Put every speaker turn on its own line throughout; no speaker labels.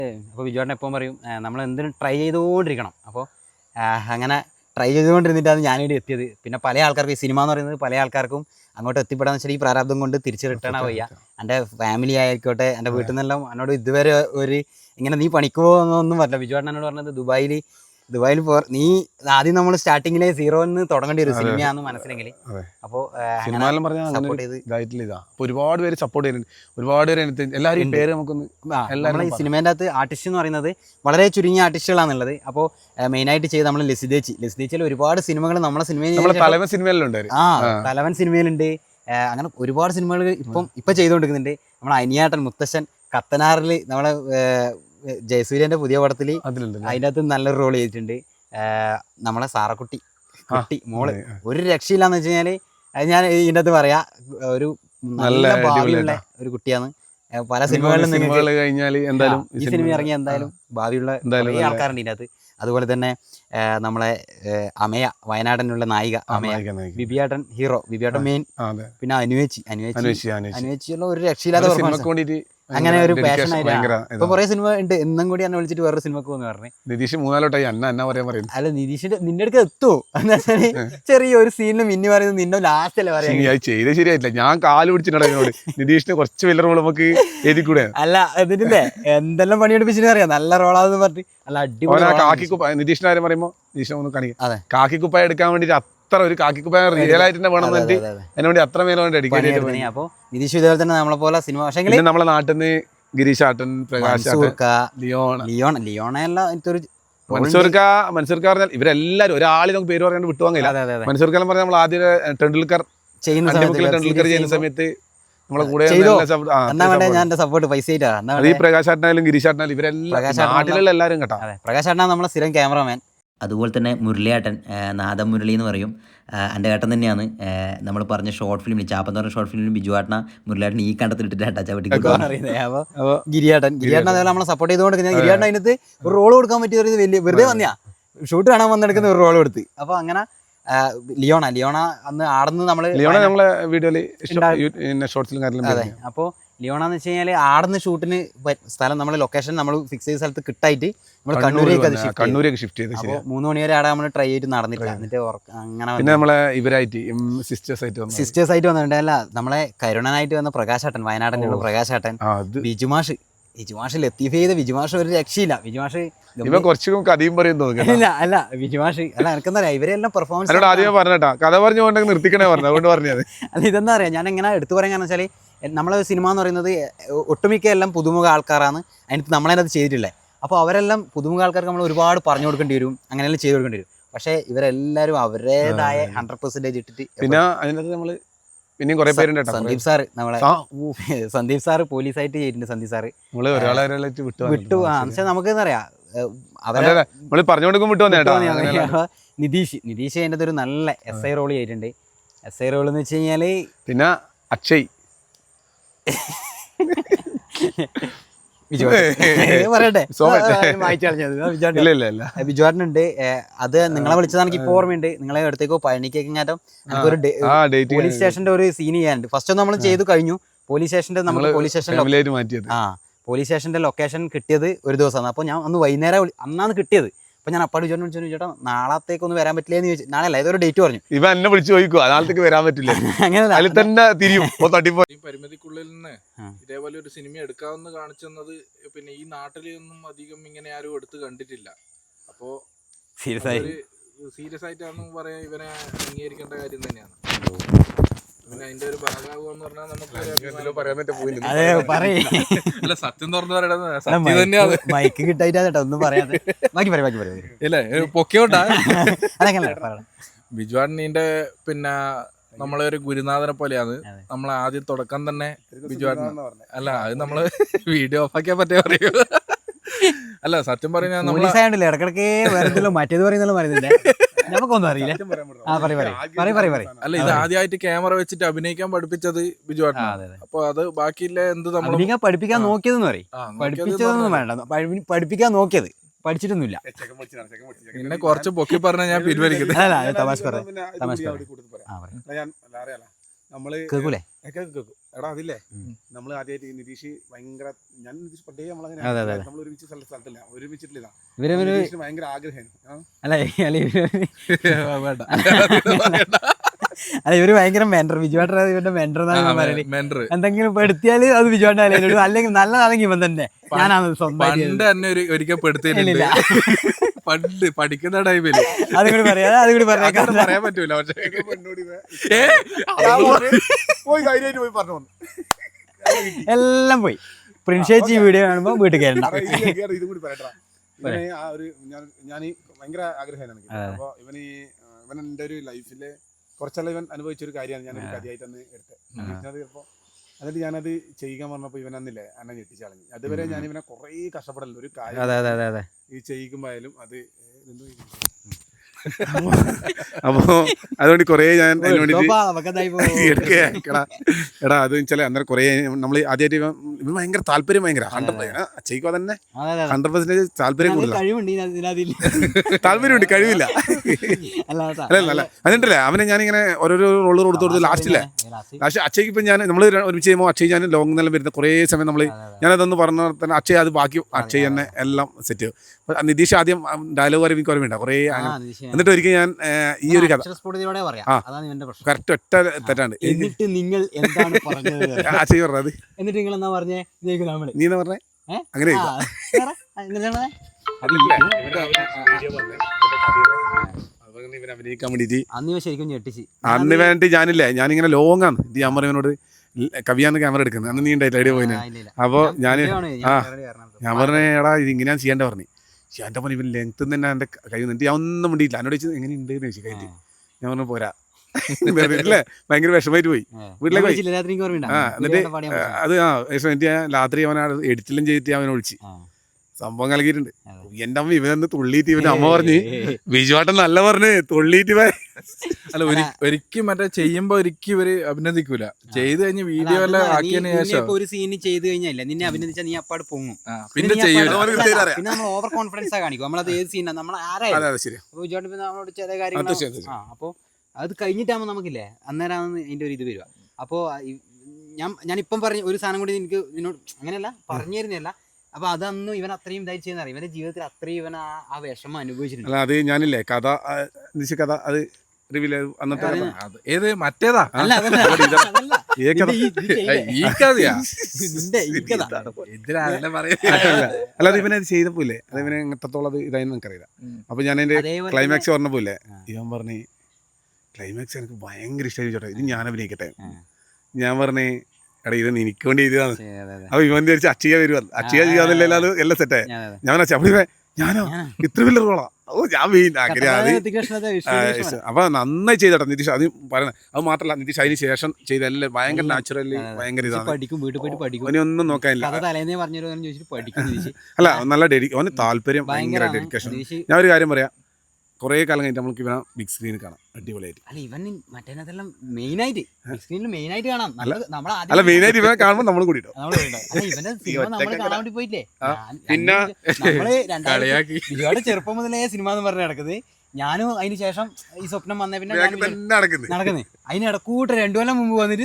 അപ്പോൾ ബിജുവേട്ടൻ എപ്പോഴും പറയും നമ്മൾ എന്തിനും ട്രൈ ചെയ്തുകൊണ്ടിരിക്കണം. അപ്പോൾ അങ്ങനെ ട്രൈ ചെയ്തുകൊണ്ടിരുന്നിട്ടാണ് ഞാനിവിടെ എത്തിയത്. പിന്നെ പല ആൾക്കാർക്കും ഈ സിനിമ എന്ന് പറയുന്നത് പല ആൾക്കാർക്കും അങ്ങോട്ട് എത്തിപ്പെടാന്ന് വെച്ചാൽ ഈ പ്രാരാബ്ദം കൊണ്ട് തിരിച്ച് റിട്ടേൺ ആവുക. എൻ്റെ ഫാമിലി ആയിക്കോട്ടെ, എൻ്റെ വീട്ടിൽ നിന്നെല്ലാം എന്നോട് ഇതുവരെ ഒരു ഇങ്ങനെ നീ പണിക്കുമോ എന്നൊന്നും പറ്റില്ല. ബിജുവേട്ടൻ എന്നോട് പറഞ്ഞത് ദുബായിൽ നീ ആദ്യം നമ്മൾ സ്റ്റാർട്ടിങ്ങിലെ സീറോന്ന് തുടങ്ങേണ്ടി വരും സിനിമയാണെന്ന് മനസ്സിലെങ്കിൽ. അപ്പോൾ സപ്പോർട്ട് ചെയ്ത്
ഒരുപാട് പേര് സപ്പോർട്ട് ചെയ്യുന്നുണ്ട്, ഒരുപാട് പേര് എല്ലാവരും പേര് നമുക്കൊന്ന്
നമ്മളെ ഈ സിനിമേൻ്റെ അകത്ത് ആർട്ടിസ്റ്റ് എന്ന് പറയുന്നത് വളരെ ചുരുങ്ങിയ ആർട്ടിസ്റ്റുകളാണുള്ളത്. അപ്പോൾ മെയിനായിട്ട് ചെയ്ത് നമ്മൾ ലസിദേച്ചിയിൽ ഒരുപാട് സിനിമകൾ നമ്മളെ
സിനിമയിലുണ്ട്.
തലവൻ സിനിമയിലുണ്ട്. അങ്ങനെ ഒരുപാട് സിനിമകൾ ഇപ്പം ചെയ്തുകൊണ്ടിരിക്കുന്നുണ്ട്. നമ്മളെ അനിയാട്ടൻ മുത്തശ്ശൻ കത്തനാറിൽ നമ്മളെ ജയസൂര്യന്റെ പുതിയ പടത്തിൽ അതിൻ്റെ അകത്ത് നല്ലൊരു റോൾ ചെയ്തിട്ടുണ്ട്. നമ്മളെ സാറക്കുട്ടി മോള് ഒരു രക്ഷയില്ലാന്ന് വെച്ച് കഴിഞ്ഞാല് ഞാൻ ഇതിൻ്റെ അകത്ത് പറയാ ഒരു നല്ല ഭാവിയുള്ള ഒരു കുട്ടിയാണ്. പല സിനിമകളിലും ഈ സിനിമ ഇറങ്ങിയ എന്തായാലും ഭാവിയുള്ള ആൾക്കാരുണ്ട് ഇതിൻ്റെ അകത്ത്. അതുപോലെ തന്നെ നമ്മളെ അമയ വയനാടനുള്ള നായിക അമയ, ബിബിയാട്ടൻ ഹീറോ, ബിബിയാട്ടൻ മെയിൻ, പിന്നെ അനുവേച്ചിയുള്ള ഒരു രക്ഷയില്ലാത്ത അങ്ങനെ ഒരു പാഷൻ ആയിട്ട് ഇപ്പൊ കുറെ സിനിമ ഉണ്ട്. എന്നും കൂടി എന്നെ വിളിച്ചിട്ട് വേറൊരു സിനിമക്ക് പോകുന്നു പറഞ്ഞു.
നിതീഷ് 3-4
അല്ല നിതീഷിന്റെ നിന്റെ അടുക്ക് എത്തുമോ എന്ന് വെച്ചാല് ചെറിയൊരു സീനിൽ മിന്നി പറയുന്നത് നിന്നെ ലാസ്റ്റ് അല്ലേ പറയാ
ചെയ്ത് ശരിയായിട്ടില്ല. ഞാൻ കാല് പിടിച്ചിട്ടുണ്ടോ നിതീഷിന് കുറച്ച് വലിയ റോൾ നമുക്ക് എഴുതിക്കൂടെ?
അല്ല ഇതിന്റെ എന്തെല്ലാം പണിയെടുപ്പിച്ചിട്ട് അറിയാം നല്ല റോളാന്ന് പറഞ്ഞിട്ട്. അല്ല അടിപൊളി
കാക്കിക്കുപ്പായ നിതീഷിന്റെ കാര്യം പറയുമ്പോ നിതീഷിനെ ഒന്ന് കാണിക്കാം. കാക്കിക്കുപ്പായ എടുക്കാൻ വേണ്ടിട്ട് അത്ര ഒരു കാക്കിക്കുപ്പായ റിയൽ ആയിട്ട് തന്നെ വേണം അതിന് വേണ്ടി അത്ര മേലെ ഡെഡിക്കേറ്റ്.
അപ്പൊ നിതീഷ് ഇതുപോലെ തന്നെ നമ്മളെ പോലെ സിനിമ. പക്ഷേ
നമ്മളെ നാട്ടിൽ നിന്ന് ഗിരീഷാട്ടൻ, പ്രകാശ്,
ലിയോണെല്ലാം എനിക്കൊരു
മൻസൂർക്ക പറഞ്ഞാൽ ഇവരെല്ലാരും ഒരാളെ നമുക്ക് പേര് പറയാണ്ട് വിട്ടുപോകാൻ കഴിയില്ല. മൻസൂർക്ക എന്ന് പറഞ്ഞാൽ നമ്മൾ ആദ്യം ടെണ്ടുൽക്കർ ചെയ്യുന്ന സമയത്ത് നമ്മളെ കൂടെ ഈ പ്രകാശാട്ടനായാലും ഗിരീഷാട്ടനായാലും ഇവരെല്ലാം നാട്ടിലുള്ള എല്ലാവരും കേട്ടോ.
പ്രകാശാട്ടനാ നമ്മളെ സ്ഥിരം ക്യാമറമാൻ.
അതുപോലെ തന്നെ മുരളിയേട്ടൻ, നാദം മുരളി എന്ന് പറയും, എൻ്റെ ഏട്ടൻ തന്നെയാണ്. നമ്മൾ പറഞ്ഞ ഷോർട്ട് ഫിലിമിൽ ചാപ്പെന്ന് പറഞ്ഞ ഷോർട്ട് ഫിലിമിൽ ബിജുവാട്ടന മുരളിയേട്ടൻ ഈ കണ്ടത്തിലിട്ടിട്ട്
ഗിരിയാട്ടൻ അതേപോലെ നമ്മളെ സപ്പോർട്ട് ചെയ്തുകൊണ്ട് ഗിരിയാട്ടൻ അതിനകത്ത് ഒരു റോൾ കൊടുക്കാൻ പറ്റിയ വലിയ വെറുതെ വന്നിയാ ഷൂട്ട് കാണാൻ വന്നെടുക്കുന്ന ഒരു റോൾ കൊടുത്ത്. അപ്പൊ അങ്ങനെ ലിയോണ അന്ന് ആടുന്ന്
നമ്മളെ വീഡിയോയില്
അതെ. അപ്പോൾ ലിയോണ എന്ന് വെച്ച് കഴിഞ്ഞാൽ ആടുന്ന് ഷൂട്ടിന് സ്ഥലം നമ്മൾ ലൊക്കേഷൻ നമ്മൾ ഫിക്സ് ചെയ്ത സ്ഥലത്ത് കിട്ടായിട്ട് നമ്മൾ കണ്ണൂരേക്ക് ഷിഫ്റ്റ് ചെയ്ത്. അപ്പോൾ 3 മണി വരെ ആടെ നമ്മൾ ട്രൈ ചെയ്തിട്ട് നടന്നിട്ടില്ല. എന്നിട്ട് അങ്ങനെ
നമ്മളെ ഇവരായിട്ട്
സിസ്റ്റേഴ്സ് ആയിട്ട് വന്നിട്ടുണ്ട്. അല്ല നമ്മളെ കരുണനായിട്ട് വന്ന പ്രകാശാട്ടൻ, വയനാടനുള്ള പ്രകാശാട്ടൻ, ബിജുമാഷ് ലത്തീഫ് ചെയ്ത ബിജുമാഷ് ഒരു രക്ഷയില്ല. ബിജുമാഷ്
കുറച്ചും കഥയും പറയുന്നു.
അല്ല ബിജുമാഷ് അല്ല എനിക്കെന്താ പറയാ ഇവരെല്ലാം പെർഫോമൻസ്
കഥ പറഞ്ഞു നിർത്തിക്കണേ പറഞ്ഞത്.
അല്ല ഇതെന്താ പറയാ ഞാൻ എങ്ങനെ എടുത്തു പറയാൻ കാരണം വെച്ചാൽ നമ്മളെ സിനിമ എന്ന് പറയുന്നത് ഒട്ടുമിക്ക എല്ലാം പുതുമുഖ ആൾക്കാരാണ് അതിനകത്ത് നമ്മളതിനകത്ത് ചെയ്തിട്ടുള്ളത്. അപ്പോൾ അവരെല്ലാം പുതുമുഖ ആൾക്കാർക്ക് നമ്മൾ ഒരുപാട് പറഞ്ഞു കൊടുക്കേണ്ടി വരും, അങ്ങനെയെല്ലാം ചെയ്ത് കൊടുക്കേണ്ടി വരും. പക്ഷേ ഇവരെല്ലാവരും അവരുടേതായ 100% ഇട്ടിട്ട്.
പിന്നെ അതിനകത്ത് നമ്മൾ പിന്നെയും കുറെ പേരുണ്ട്.
സന്ദീപ് സാറ് നമ്മളെ സന്ദീപ് സാറ് പോലീസായിട്ട് ചെയ്തിട്ടുണ്ട്. സന്ദീപ് സാറ് വിട്ടു എന്നുവെച്ചാൽ നമുക്ക് എന്താ പറയാ അവരെ
പറഞ്ഞു കൊടുക്കും വിട്ടു വന്നേട്ടാ.
നിതീഷ് അതിൻ്റെ ഒരു നല്ല SI റോൾ ചെയ്തിട്ടുണ്ട്. SI റോൾ എന്ന് വെച്ച് കഴിഞ്ഞാല്
പിന്നെ അക്ഷയ്
പറയട്ടെ ബിജുവാട്ടനുണ്ട്. അത് നിങ്ങളെ വിളിച്ചത് എനിക്ക് ഇപ്പോൾ ഓർമ്മയുണ്ട്. നിങ്ങളെ അടുത്തേക്കോ പഴനിക്കേക്കും ഒരു പോലീസ് സ്റ്റേഷന്റെ ഒരു സീൻ ചെയ്യാനുണ്ട്. ഫസ്റ്റ് നമ്മൾ ചെയ്തു കഴിഞ്ഞു. പോലീസ് സ്റ്റേഷന്റെ പോലീസ് സ്റ്റേഷന്റെ ലൊക്കേഷൻ കിട്ടിയത് ഒരു ദിവസമാണ്. അപ്പോൾ ഞാൻ അന്ന് വൈകുന്നേരം അന്നാണ് കിട്ടിയത്. അപ്പോൾ ഞാൻ അപ്പാട് വിളിച്ചു ചേട്ടാ നാളത്തേക്കൊന്നും വരാൻ പറ്റില്ലെന്ന് ചോദിച്ചു. നാളെ ഏതൊരു ഡേറ്റ് പറഞ്ഞു.
ഇവ എന്നെ വിളിച്ചു ചോദിക്കുക നാളത്തേക്ക് വരാൻ പറ്റില്ല. അങ്ങനെ തന്നെ തിരിയും.
ഈ പരിമിതിക്കുള്ളിൽ നിന്ന് ഇതേപോലെ ഒരു സിനിമ എടുക്കാമെന്ന് കാണിച്ചെന്നത് പിന്നെ ഈ നാട്ടിലൊന്നും അധികം ഇങ്ങനെ ആരും എടുത്ത് കണ്ടിട്ടില്ല. അപ്പോ സീരിയസ് ആയിട്ടാണെന്ന് പറയാൻ ഇവനെ അംഗീകരിക്കേണ്ട കാര്യം തന്നെയാണ്. പിന്നെ അതിന്റെ ഒരു ഭാഗമാകുമെന്ന് പറഞ്ഞാൽ നമുക്ക് അല്ല സത്യം തുറന്നു പറയണത് സത്യം തന്നെയാണ്.
മൈക്ക് കിട്ടായിട്ടാ ഒന്നും പറയാതെ
ഇല്ലേ പൊക്കോട്ടാ. ബിജുവാട്ടനീന്റെ പിന്നെ നമ്മളെ ഒരു ഗുരുനാഥനെ പോലെയാണ്. നമ്മളെ ആദ്യം തുടക്കം തന്നെ ബിജുവാട്ടൻ. അല്ല അത് നമ്മള് വീഡിയോ ഓഫാക്കിയാ പറ്റേ പറയൂ. അല്ല സത്യം പറഞ്ഞാൽ
നമ്മളെ ഇടക്കിടക്ക് മറ്റേത് പറയുന്നില്ല നമുക്കൊന്നും അറിയില്ല.
അല്ല ഇത് ആദ്യമായിട്ട് ക്യാമറ വെച്ചിട്ട് അഭിനയിക്കാൻ പഠിപ്പിച്ചത് ബിജുവാട്ടനാണ്. അപ്പൊ അത് ബാക്കിയില്ല എന്ത് നമ്മൾ
പഠിപ്പിക്കാൻ നോക്കിയതെന്ന് പറയും. പഠിപ്പിച്ചതൊന്നും വേണ്ട, പഠിപ്പിക്കാൻ നോക്കിയത് പഠിച്ചിട്ടൊന്നുമില്ല.
പിന്നെ കുറച്ച് പൊക്കി പറഞ്ഞ ഞാൻ പിൻവലിക്കുന്നത്.
കേൾക്കൂലേ
എടാ അതില്ലേ നമ്മൾ ആദ്യമായിട്ട് നിതീഷ് ഭയങ്കര ഞാൻ നിതീഷ് പണ്ടേ നമ്മളങ്ങനെ നമ്മൾ ഒരുമിച്ച് സ്ഥലത്തില്ല ഒരുമിച്ചിട്ടില്ല നിതീഷിന് ഭയങ്കര ആഗ്രഹമായിരുന്നു.
അല്ല ഇവര് ഭയങ്കര മെന്റർ, ബിജുവാട്ടൻ ഇവന്റെ മെന്റർ എന്നാണ് പറയുന്നത്. എന്തെങ്കിലും ഇപ്പൊ എടുത്തിയാല് അത് ബിജുവാട്ടൻ അല്ലെ, അല്ലെങ്കിൽ നല്ലതാണെങ്കിൽ ഇവൻ തന്നെ. ഞാനാണ്
പണ്ട് തന്നെ ഒരിക്കൽ പെടുത്തിയിട്ടില്ല. പണ്ട് പഠിക്കുന്ന ടൈമില്
അതുകൂടി പറയാം, അതുകൂടി പറയാൻ
പറയാൻ പറ്റൂല.
എല്ലാം പോയി. പ്രിൻഷേച്ചി വീഡിയോ കാണുമ്പോ വീട്ടിൽ കയറണ്ട.
ഇതും കൂടി പറയട്ടാ. ഇവനെ ആ ഒരു ഞാൻ ഭയങ്കര ആഗ്രഹമായിരുന്നു. അപ്പൊ ഇവന് എന്റെ ഒരു ലൈഫില് കുറച്ചെല്ലാം ഇവൻ അനുഭവിച്ചൊരു കാര്യമാണ് ഞാനൊരു കാര്യമായിട്ട് അന്ന് എടുത്തത്. ചിലപ്പോ എന്നിട്ട് ഞാനത് ചെയ്യാൻ പറഞ്ഞപ്പോ ഇവൻ അന്നില്ലേ എന്നെ ഞെട്ടിച്ച് കളഞ്ഞു. അതുവരെ ഞാൻ ഇവനെ കുറേ കഷ്ടപ്പെടല്ലോ ഒരു കാര്യം ഈ ചെയ്യിക്കുമ്പോയാലും അത് അപ്പോ അതുകൊണ്ട് കൊറേ ഞാൻ എടാ അത് വെച്ചാൽ അന്നേരം കൊറേ നമ്മള് ആദ്യമായിട്ട് ഇവൻ ഭയങ്കര താല്പര്യം ഭയങ്കര 100% ചെയ്യിക്കുക തന്നെ 100% താല്പര്യം കൂടുതൽ താല്പര്യമുണ്ട്, കഴിവില്ല. അല്ല എന്നിട്ടല്ലേ അവനെ ഞാനിങ്ങനെ ഓരോരോ റോള് കൊടുത്തു ലാസ്റ്റ് അക്ഷയ്ക്ക് ഇപ്പം ഞാൻ നമ്മൾ ഒരുമിച്ച് ചെയ്യുമ്പോൾ അക്ഷയ് ഞാൻ ലോങ് നിലം വരുന്ന കുറേ സമയം നമ്മൾ ഞാനതൊന്ന് പറഞ്ഞ തന്നെ അക്ഷയ് അത് ബാക്കി അക്ഷയ് തന്നെ എല്ലാം സെറ്റ് ചെയ്യും. നിതീഷ് ആദ്യം ഡയലോഗ് വരെ എനിക്ക് ഓർമ്മയുണ്ട് കുറേ. എന്നിട്ട് ഒരിക്കൽ ഞാൻ ഈ ഒരു കഥ കറക്റ്റ് ഒറ്റ തെറ്റാണ്ട്
എന്നിട്ട് നിങ്ങൾ എന്താണ് പറഞ്ഞത്
അക്ഷയ് പറഞ്ഞത്
എന്നിട്ട് നിങ്ങൾ എന്നാ പറഞ്ഞേ
നീ എന്നാ പറഞ്ഞേ അങ്ങനെ അഭിനയിക്കാൻ വേണ്ടിട്ട് അന്ന് വേണ്ടി ഞാനില്ലേ ഞാനിങ്ങനെ ലോങ് ആണ് ഇത് ഞാൻ പറയുന്നോട് കവിയാന്ന് ക്യാമറ എടുക്കുന്നത് അന്ന് നീ ഉണ്ടായില്ല ഐഡിയ പോയിന്. അപ്പോൾ ഞാൻ പറഞ്ഞേ എടാ ഇത് ഇങ്ങനെയാണ് ചെയ്യേണ്ട പറഞ്ഞു. പക്ഷേ എൻ്റെ പറഞ്ഞ ഇവൻ ലെങ്ത്ത് തന്നെ എൻ്റെ കൈ നിന്നിട്ട് ഞാൻ ഒന്നും വേണ്ടിയില്ല. എന്നോട് ചോദിച്ചത് എങ്ങനെ ഉണ്ട് എന്ന് ചോദിച്ചു കഴിഞ്ഞിട്ട് ഞാൻ പറഞ്ഞു പോരാ ഇല്ലേ ഭയങ്കര വിഷമായിട്ട് പോയി വീട്ടിലേക്ക് പോയി. എന്നിട്ട് അത് എന്നിട്ട് രാത്രി അവൻ എഡിറ്റെല്ലാം ചെയ്തിട്ട് അവനെ ഒഴിച്ച് സംഭവം കലക്കിയിട്ടുണ്ട്. എൻ്റെ അമ്മ ഇവനൊന്ന് തുള്ളിയിട്ട് ഇവന്റെ അമ്മ പറഞ്ഞ് ബിജുവാട്ടൻ നല്ല പറഞ്ഞ് തുള്ളിയിട്ട്
അല്ല ഒരിക്കലും മറ്റേ ചെയ്യുമ്പോ ഒരിക്കലും ഇവര് അഭിനന്ദിക്കൂല. ചെയ്ത് കഴിഞ്ഞ് വീഡിയോ എല്ലാം ആക്കിയതിന് ശേഷം
ഒരു സീന് ചെയ്ത് കഴിഞ്ഞാൽ നിന്നെ അഭിനന്ദിച്ചാൽ നീ അപ്പാട് പൊങ്ങും.
പിന്നെ ചെയ്യൂല.
പിന്നെ നമ്മൾ ഓവർ കോൺഫിഡൻസ് കാണിക്കും. നമ്മളത് ഏത് സീനാണ് നമ്മൾ ആരായാലും നമ്മളോട് ചില കാര്യങ്ങൾ അപ്പൊ അത് കഴിഞ്ഞിട്ടാകുമ്പോൾ നമുക്കില്ലേ അന്നേരമാണ് അതിന്റെ ഒരു ഇത് വരിക. അപ്പോ ഞാനിപ്പം പറഞ്ഞ ഒരു സാധനം കൂടി എനിക്ക് നിന്നോട് അങ്ങനെയല്ല പറഞ്ഞു തരുന്നതല്ല. അപ്പൊ അതൊന്നും ഇവൻ അത്രയും ഇതായി ചെയ്യുന്ന അറിയാം. ഇവന്റെ ജീവിതത്തിൽ അത്രയും ഇവൻ ആ വിഷമം അനുഭവിച്ചിട്ടുണ്ട്.
അത് ഞാനില്ലേ കഥ കഥ അത് അന്നത്തെ
ഏത് മറ്റേതാ
അല്ല
അല്ലാതെ ഇവനത് ചെയ്തപ്പോലെ അത് ഇവനെ എത്രത്തോളം അത് ഇതായെന്ന് എനിക്കറിയില്ല. അപ്പൊ ഞാൻ അതിന്റെ ക്ലൈമാക്സ് പറഞ്ഞപ്പോലെ ഇവൻ പറഞ്ഞ് ക്ലൈമാക്സ് എനിക്ക് ഭയങ്കര ഇഷ്ടമായി ചോട്ടെ ഇത് ഞാൻ അഭിനയിക്കട്ടെ. ഞാൻ പറഞ്ഞേ എടാ ഇത് എനിക്ക് വേണ്ടി എഴുതിയതാണ്. അപ്പൊ ഇവൻ വിചാരിച്ച് അക്ഷയ വരുവാ അക്ഷയ ചെയ്യാന്നില്ല അത് എല്ലാം സെറ്റായി. ഞാൻ അപ്പൊ ഞാനോ ഇത്ര വലിയ റോളാ ഞാൻ അപ്പൊ നന്നായി ചെയ്തോട്ടെ നിതീഷ്. അത് പറയണേ അത് മാത്രല്ല നിതീഷ് അതിന് ശേഷം ചെയ്ത എല്ലാം ഭയങ്കര നാച്ചുറലി ഭയങ്കര ഇതാണ്. അവനൊന്നും നോക്കാനില്ല. അല്ല നല്ല അവന് താല്പര്യം ഭയങ്കര ഡെഡിക്കേഷൻ. ഞാൻ ഒരു കാര്യം പറയാം കുറേ കാലം കഴിഞ്ഞിട്ട് നമുക്ക് ഇവനെ ബിഗ് സ്ക്രീനിൽ കാണാം അടിപൊളിയായിട്ട്.
അല്ല ഇവൻ മറ്റേതെല്ലാം മെയിനായിട്ട് ബിഗ് സ്ക്രീനിൽ മെയിനായിട്ട് കാണാം.
അല്ല മെയിനായിട്ട് ഇവനെ കാണുമ്പോൾ നമ്മൾ കൂടിട്ടോ
ഇവന്റെ സിനിമ നമ്മൾ കാണാൻ വേണ്ടി പോയില്ലേ.
പിന്നെ
ഒരുപാട് ചെറുപ്പം മുതലേ സിനിമ എന്ന് പറഞ്ഞ് നടക്കുന്നത്. ഞാനും അതിന് ശേഷം ഈ സ്വപ്നം വന്ന പിന്നെ നടക്കുന്നത് അതിന് ഇടക്കൂട്ട് 2 കൊല്ലം മുമ്പ് വന്നിട്ട്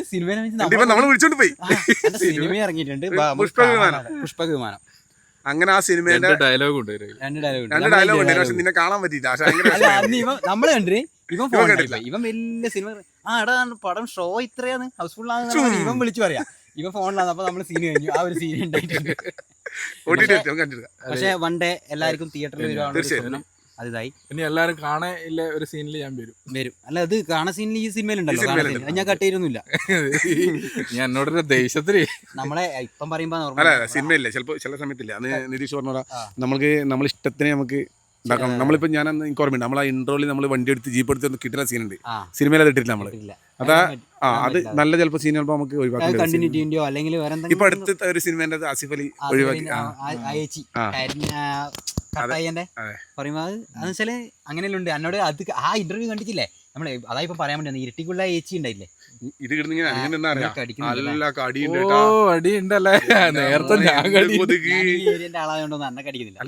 സിനിമ ഇറങ്ങിയിട്ടുണ്ട് പുഷ്പവിമാനം.
അങ്ങനെ ആ സിനിമയുടെ
ഡയലോഗ് ഉണ്ട്
2 ഡയലോഗ് ഉണ്ട്. പക്ഷെ നിന്നെ കാണാൻ പറ്റിയില്ല.
നമ്മള് കണ്ടിട്ട് ഇവൻ വലിയ സിനിമ എടാ പടം ഷോ ഇത്രയാണ് ഹൗസ്ഫുൾ ആണെന്ന് ഇവൻ വിളിച്ചു പറയാ. ഇവൻ ഫോണിലാണ്. അപ്പൊ നമ്മള് സീൻ കഴിഞ്ഞു. ആ ഒരു സീൻ ഉണ്ടായിട്ടുണ്ട്. പക്ഷെ വൺ ഡേ എല്ലാവർക്കും തിയേറ്ററിൽ വരുവാണ്. അതായി
ഇനി എല്ലാരും കാണാൻ ഇല്ല ഒരു സീനിൽ ഞാൻ വരും.
അല്ല അത് കാണാൻ സീനിൽ ഈ സിനിമയിലുണ്ടല്ലോ. ഞാൻ കട്ട് ചെയ്തൊന്നുമില്ല.
ഞാൻ എന്നോടൊരു ദേഷ്യത്തില്
നമ്മളെ ഇപ്പം പറയുമ്പോ
സിനിമയില്ല ചിലപ്പോ ചില സമയത്തില്ല. അന്ന് നിതീഷ് പറഞ്ഞ നമ്മൾക്ക് നമ്മളെ ഇഷ്ടത്തിന് നമുക്ക് ഉണ്ടാക്കണം. നമ്മളിപ്പോ ഞാൻ എനിക്ക് ഓർമ്മയുണ്ട് നമ്മൾ ആ ഇൻട്രോയിൽ നമ്മൾ വണ്ടി എടുത്ത് ജീപ്പ് എടുത്ത് കിട്ടുന്ന സീനുണ്ട്. സിനിമയിൽ അത് ഇട്ടിട്ടില്ല നമ്മള്. അതാ അത് നല്ല ചിലപ്പോ സീൻ ചിലപ്പോ നമുക്ക് ഒഴിവാക്കാം. ഇപ്പൊ അടുത്ത ഒരു സിനിമേന്റെ ആസിഫ് അലി ഒഴിവാക്കി
പറയുമ്പോ അതെന്ന് വെച്ചാല് അങ്ങനെയല്ല ഉണ്ട്. എന്നോട് അത് ആ ഇന്റർവ്യൂ കണ്ടിട്ടില്ലേ നമ്മള് അതായിപ്പോ പറയാൻ വേണ്ടി ഇരുട്ടിക്കുള്ള ഏച്ചി ഉണ്ടായില്ലേ
ഇത്
ആളായോണ്ടൊന്നും അന്നെ കടിക്കുന്നില്ല.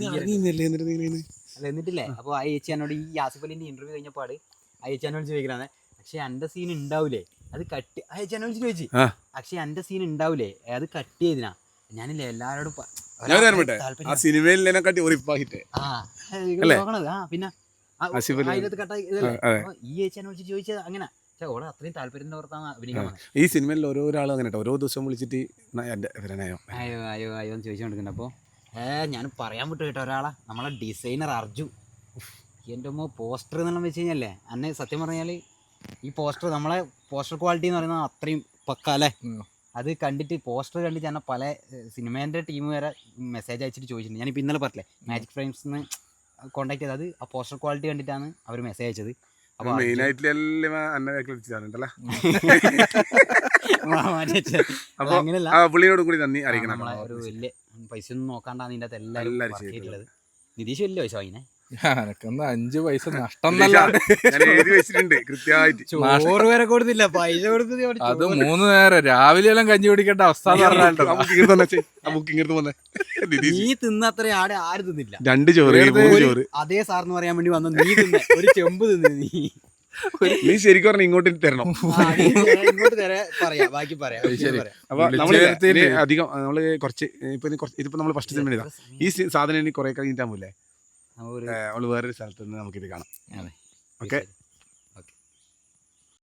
അല്ല എന്നിട്ടില്ലേ അപ്പൊ ആ ഏച്ചി എന്നോട് ഈ ആസിഫ് അലിന്റെ ഇന്റർവ്യൂ കഴിഞ്ഞപ്പാട് ആ ഏച്ചി എന്നോട് ചോദിക്കലാണ് പക്ഷെ എന്റെ സീൻ ഉണ്ടാവൂലേ അത് കട്ട് ചേച്ചി ചോദിച്ചു
ആ.
പക്ഷെ എന്റെ സീൻ ഉണ്ടാവൂലേ അത് കട്ട് ചെയ്തിനാ ഞാനില്ലേ എല്ലാരോടും
ഞാൻ പറഞ്ഞിട്ടെ ആ സിനിമയിലെക്കാട്ടി ഉറപ്പാക്കിട്ടേ അല്ലേ?
പിന്നെ
ആസിഫലി.
അതിനകത്ത് കട്ടായി ഇതല്ലേ?
അതെ.
അപ്പൊ ഈ ചേച്ചിനെ വിളിച്ച് ചോദിച്ചത് അങ്ങനെ ഓളെ അത്രയും താല്പര്യത്തിന്റെ പുറത്താണ് അഭിനയിക്കാൻ വന്നത്.
ഈ സിനിമയിൽ ഓരോരാളും അങ്ങനെ ഓരോ ദിവസം വിളിച്ചിട്ട് എൻ്റെ ഇവരനെയോ
അയ്യോ അയ്യോ അയ്യോ എന്ന് ചോദിച്ചുകൊണ്ടിരിക്കുന്നുണ്ട്. അപ്പോൾ ഞാൻ പറയാൻ വിട്ടു കേട്ടോ ഒരാളെ നമ്മളെ ഡിസൈനർ അർജു. എൻ്റെ അമ്മ പോസ്റ്റർ എന്നെല്ലാം വെച്ച് കഴിഞ്ഞല്ലേ അന്നെ സത്യം പറഞ്ഞാൽ ഈ പോസ്റ്റർ നമ്മളെ പോസ്റ്റർ ക്വാളിറ്റി എന്ന് പറയുന്നത് അത്രയും പക്ക അല്ലേ. അത് കണ്ടിട്ട് പോസ്റ്റർ കണ്ടിട്ട് ഞാൻ പല സിനിമേൻ്റെ ടീം വരെ മെസ്സേജ് അയച്ചിട്ട് ചോദിച്ചിട്ടുണ്ട്. ഞാനിപ്പോൾ ഇന്നലെ പറഞ്ഞില്ലേ മാജിക് ഫ്രെയിംസിന്ന് കോൺടാക്ട് ചെയ്തത് ആ പോസ്റ്റർ ക്വാളിറ്റി കണ്ടിട്ടാണ് അവർ മെസ്സേജ് അയച്ചത്. അപ്പോൾ
മെയിനായിട്ട് എല്ലാം അന്നെ വിളിച്ചിട്ടുണ്ടല്ലേ. അപ്പോൾ
അങ്ങനെയല്ല
ആ പുള്ളിയോട് കൂടി നന്ദി അറിയിക്കണം.
നമ്മളെ ഒരു വലിയ പൈസ ഒന്നും നോക്കാണ്ടാണ് ഇതിൻ്റെ അകത്ത് എല്ലാവരും ചെയ്തിട്ടുള്ളത്. നിതീഷ് വലിയ പൈസ വാങ്ങിനെ
എനക്കൊന്ന് 5 പൈസ നഷ്ടം
ഞാൻ എഴുതി വെച്ചിട്ടുണ്ട് കൃത്യമായിട്ട്.
ചോറ് വരെ കൊടുത്തില്ല പൈസ കൊടുത്തത്.
അത് 3 നേരം രാവിലെ എല്ലാം കഞ്ഞി കുടിക്കേണ്ട അവസ്ഥ എന്ന് പറഞ്ഞാൽ
നീ തിന്നത്ര ആടെ ആരും തിന്നില്ല.
2 ചോറ് 3 ചോറ്
അതേ സാറിന് പറയാൻ വേണ്ടി വന്ന നീ തിന്ന ഒരു ചെമ്പ് തിന്നു നീ.
നീ ശരിക്കും പറഞ്ഞ ഇങ്ങോട്ട് തരണം.
ഇങ്ങോട്ട് പറയാ ബാക്കി പറയാം.
അപ്പൊ നമ്മള് അധികം നമ്മള് കുറച്ച് ഇതിപ്പോ നമ്മള് ഫസ്റ്റ് സിനിമ ചെയ്താ ഈ സാധനം ഇനി കുറെ കഴിഞ്ഞിട്ടാകുമ്പോല്ലേ നമ്മള് വേറൊരു സ്ഥലത്ത് നിന്ന് നമുക്കിത് കാണാം. ഓക്കെ.